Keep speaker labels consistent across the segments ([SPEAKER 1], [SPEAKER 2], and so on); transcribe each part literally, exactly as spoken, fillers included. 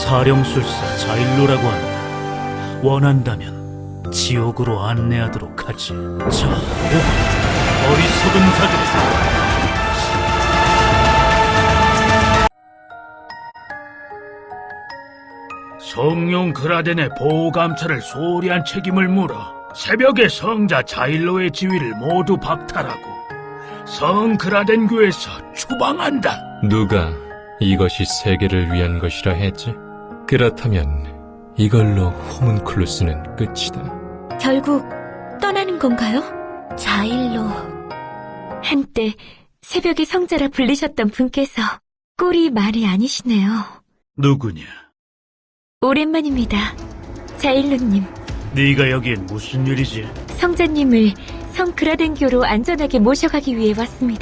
[SPEAKER 1] 사령술사 자일로라고 한다. 원한다면 지옥으로 안내하도록 하지. 자, 오고 어리석은 자들. 성룡 그라덴의 보호 감찰을 소홀히 한 책임을 물어 새벽에 성자 자일로의 지위를 모두 박탈하고 성 그라덴 교에서 추방한다.
[SPEAKER 2] 누가 이것이 세계를 위한 것이라 했지? 그렇다면 이걸로 호문클루스는 끝이다.
[SPEAKER 3] 결국 떠나는 건가요? 자일로. 한때 새벽의 성자라 불리셨던 분께서 꼴이 말이 아니시네요.
[SPEAKER 1] 누구냐?
[SPEAKER 3] 오랜만입니다. 자일로님.
[SPEAKER 1] 네가 여기엔 무슨 일이지?
[SPEAKER 3] 성자님을 성 그라덴교로 안전하게 모셔가기 위해 왔습니다.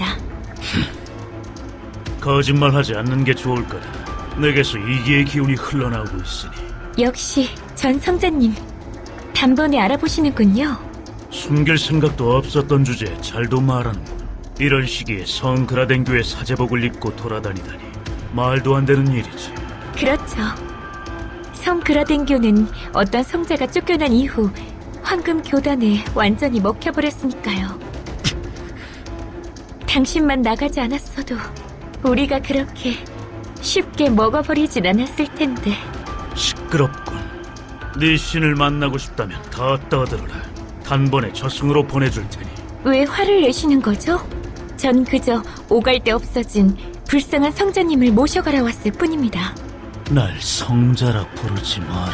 [SPEAKER 1] 거짓말하지 않는 게 좋을 거다. 내게서 이기의 기운이 흘러나오고 있으니.
[SPEAKER 3] 역시 전 성자님 단번에 알아보시는군요.
[SPEAKER 1] 숨길 생각도 없었던 주제에 잘도 말하는군. 이런 시기에 성 그라덴교의 사제복을 입고 돌아다니다니 말도 안 되는 일이지.
[SPEAKER 3] 그렇죠. 성 그라덴교는 어떤 성자가 쫓겨난 이후 황금 교단에 완전히 먹혀버렸으니까요. 당신만 나가지 않았어도 우리가 그렇게 쉽게 먹어버리진 않았을 텐데.
[SPEAKER 1] 시끄럽군. 네 신을 만나고 싶다면 더 떠들어라. 단번에 저승으로 보내줄 테니.
[SPEAKER 3] 왜 화를 내시는 거죠? 전 그저 오갈 데 없어진 불쌍한 성자님을 모셔가러 왔을 뿐입니다.
[SPEAKER 1] 날 성자라 부르지 마라.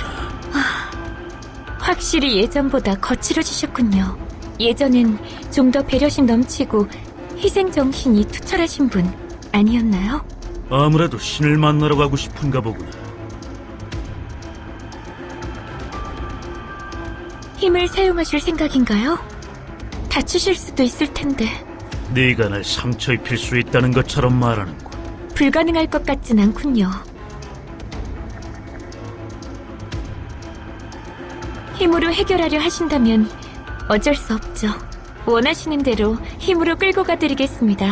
[SPEAKER 3] 확실히 예전보다 거칠어지셨군요. 예전엔 좀 더 배려심 넘치고 희생정신이 투철하신 분 아니었나요?
[SPEAKER 1] 아무래도 신을 만나러 가고 싶은가 보구나.
[SPEAKER 3] 힘을 사용하실 생각인가요? 다치실 수도 있을 텐데.
[SPEAKER 1] 네가 날 상처 입힐 수 있다는 것처럼 말하는군.
[SPEAKER 3] 불가능할 것 같진 않군요. 힘으로 해결하려 하신다면 어쩔 수 없죠. 원하시는 대로 힘으로 끌고 가드리겠습니다.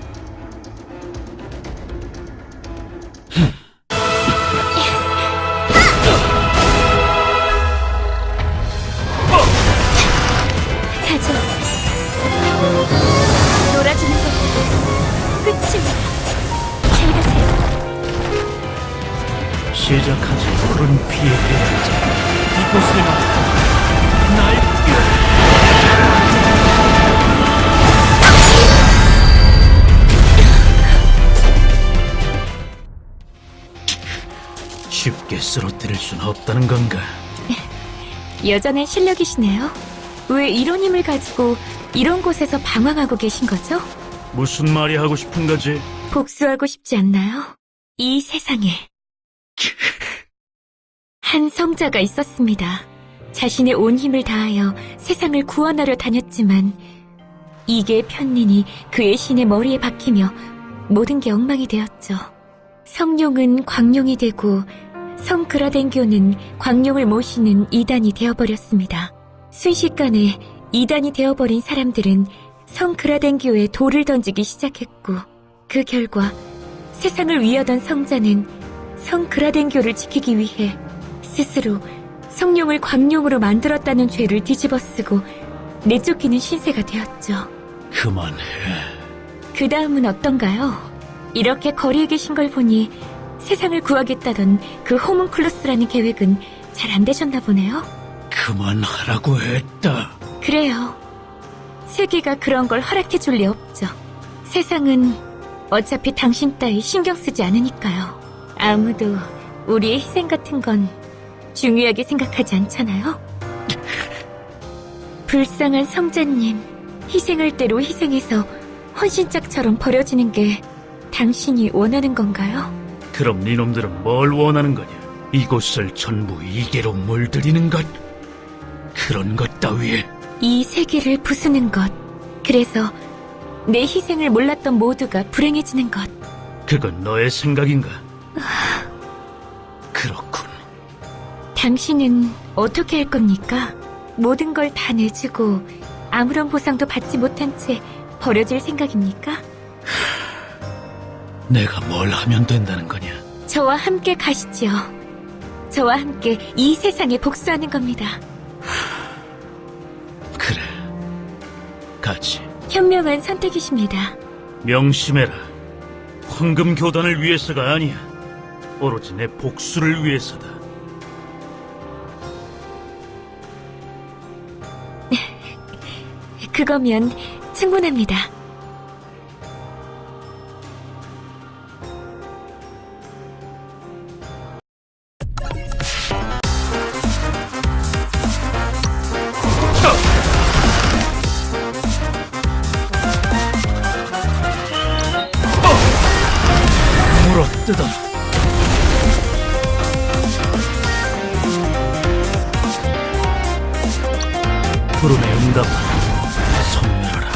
[SPEAKER 3] 가죠. 놀아주는 것도 끝입니다. 잘 가세요.
[SPEAKER 1] 시작하지. 푸른 피의 대자. 이곳에 날 쉽게 쓰러뜨릴 순 없다는 건가?
[SPEAKER 3] 여전한 실력이시네요. 왜 이런 힘을 가지고 이런 곳에서 방황하고 계신 거죠?
[SPEAKER 1] 무슨 말이 하고 싶은 거지?
[SPEAKER 3] 복수하고 싶지 않나요? 이 세상에 한 성자가 있었습니다. 자신의 온 힘을 다하여 세상을 구원하려 다녔지만 이게 편린이 그의 신의 머리에 박히며 모든 게 엉망이 되었죠. 성룡은 광룡이 되고 성 그라덴교는 광룡을 모시는 이단이 되어버렸습니다. 순식간에 이단이 되어버린 사람들은 성 그라덴교에 돌을 던지기 시작했고 그 결과 세상을 위하던 성자는 성 그라덴교를 지키기 위해 스스로 성룡을 광룡으로 만들었다는 죄를 뒤집어쓰고 내쫓기는 신세가 되었죠.
[SPEAKER 1] 그만해.
[SPEAKER 3] 그 다음은 어떤가요? 이렇게 거리에 계신 걸 보니 세상을 구하겠다던 그 호문클루스라는 계획은 잘 안 되셨나 보네요.
[SPEAKER 1] 그만하라고 했다.
[SPEAKER 3] 그래요. 세계가 그런 걸 허락해 줄 리 없죠. 세상은 어차피 당신 따위 신경 쓰지 않으니까요. 아무도 우리의 희생 같은 건 중요하게 생각하지 않잖아요. 불쌍한 성자님, 희생할 대로 희생해서 헌신짝처럼 버려지는 게 당신이 원하는 건가요?
[SPEAKER 1] 그럼 니놈들은 뭘 원하는 거냐? 이곳을 전부 이계로 물들이는 것? 그런 것 따위에
[SPEAKER 3] 이 세계를 부수는 것. 그래서 내 희생을 몰랐던 모두가 불행해지는 것.
[SPEAKER 1] 그건 너의 생각인가? 그렇군.
[SPEAKER 3] 당신은 어떻게 할 겁니까? 모든 걸 다 내주고 아무런 보상도 받지 못한 채 버려질 생각입니까?
[SPEAKER 1] 내가 뭘 하면 된다는 거냐?
[SPEAKER 3] 저와 함께 가시지요. 저와 함께 이 세상에 복수하는 겁니다.
[SPEAKER 1] 그래, 가지.
[SPEAKER 3] 현명한 선택이십니다.
[SPEAKER 1] 명심해라. 황금 교단을 위해서가 아니야. 오로지 내 복수를 위해서다.
[SPEAKER 3] 그거면 충분합니다.
[SPEAKER 1] 물어뜯어. 부름에 응답하라. 섬멸하라.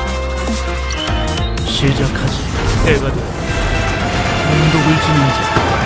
[SPEAKER 1] 시작하지. 해가 되어 운독을 지닌 자.